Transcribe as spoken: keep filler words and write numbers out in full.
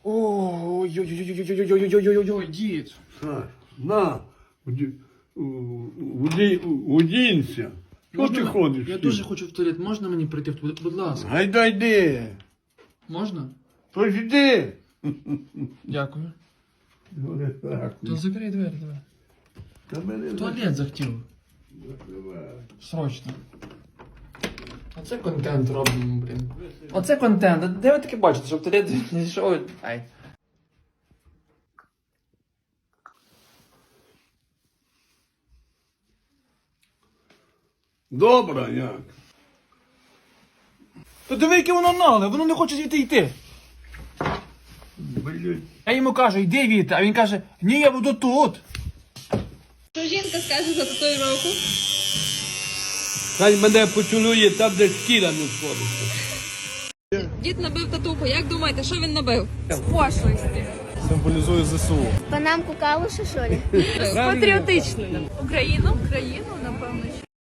Ой-ой-ой-ой-ой-ой-ой-ой-ой-ой, дід. Саш, на, уді- у- уді- удінься. Що ти Можна- ходиш? Я з ним? дуже хочу в туалет. Можна мені прийти в туалет? Будь ласка. Гайда йди. Можна? Тож йди. Дякую. Ну, так. То закрий двері, давай. Та мене В туалет захотів. закривай. Срочно. Оце контент робимо, блін. Оце контент. А де ви таке бачите, щоб туалет не зайшов? Ай. Добре, як? То диви, яке воно нале, воно не хоче звідти йти. Блядь. Я йому кажу, йди звідти, а він каже, ні, я буду тут. Що жінка скаже за татуїровку? Хай мене поцілує там, де шкіра не сходиться. Дід набив татуху. Як думаєте, що він набив? З пошлості. Символізує ЗСУ. Панамку калуша, що ли? Патріотично. Україну? Україну, напевно, що.